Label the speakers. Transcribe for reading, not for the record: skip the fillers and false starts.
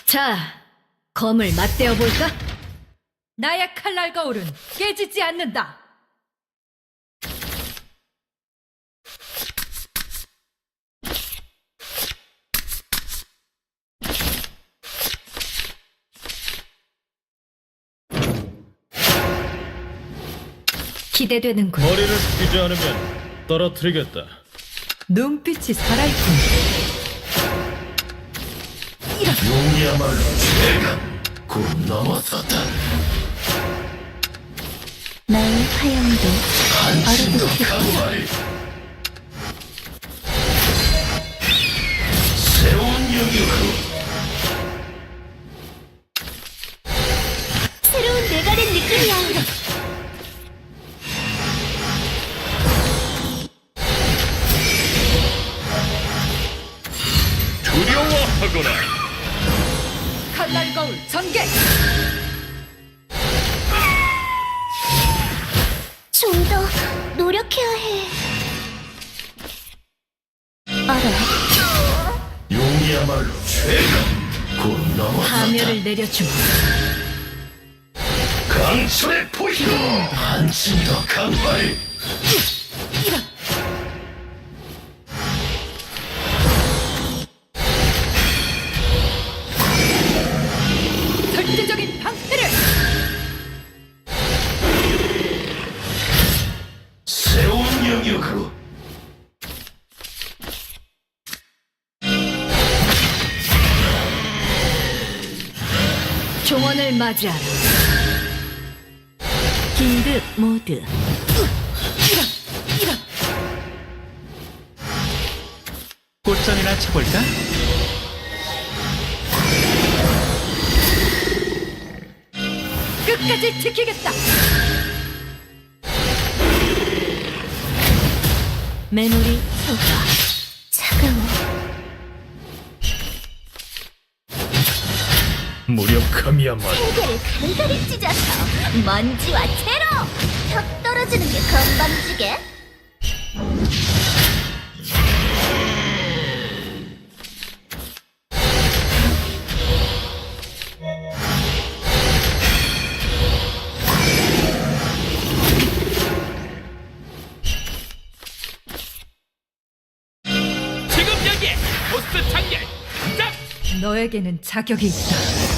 Speaker 1: 자, 검을 맞대어 볼까?
Speaker 2: 나의 칼날 거울은 깨지지 않는다.
Speaker 1: 기대되는군.
Speaker 3: 머리를 숙이지 않으면 떨어뜨리겠다.
Speaker 2: 눈빛이 살아있군.
Speaker 4: 용이야말로 죄가 곧 넘어섰다.
Speaker 5: 나의 화염도
Speaker 4: 한층 더
Speaker 5: 얼어붙겠다.
Speaker 4: 강화해. 새로운 영역으로
Speaker 5: 새로운 내가 된 느낌이야.
Speaker 3: 두려워하거나
Speaker 2: 칼날 거울 전개.
Speaker 5: 좀 더 노력해야 해. 알아.
Speaker 4: 용이야말로 죄가 곧 넘어섰다.
Speaker 1: 파멸을 내려주마.
Speaker 4: 강철의 포효 한층 더 강화해.
Speaker 2: 절대적인 방패를.
Speaker 4: 새로운 영역으로
Speaker 1: 종원을 맞이하라.
Speaker 5: 긴급 모드.
Speaker 6: 꽃전이나 쳐볼까?
Speaker 2: 끝까지 지키겠다.
Speaker 5: 메모리 소가 차가워.
Speaker 3: 무력함이야말로
Speaker 5: 세계를 간간히 찢어서 먼지와 채로 턱 떨어지는 게 건방지게.
Speaker 6: 지금 여기에 보스 장렬 짝!
Speaker 2: 너에게는 자격이 있다.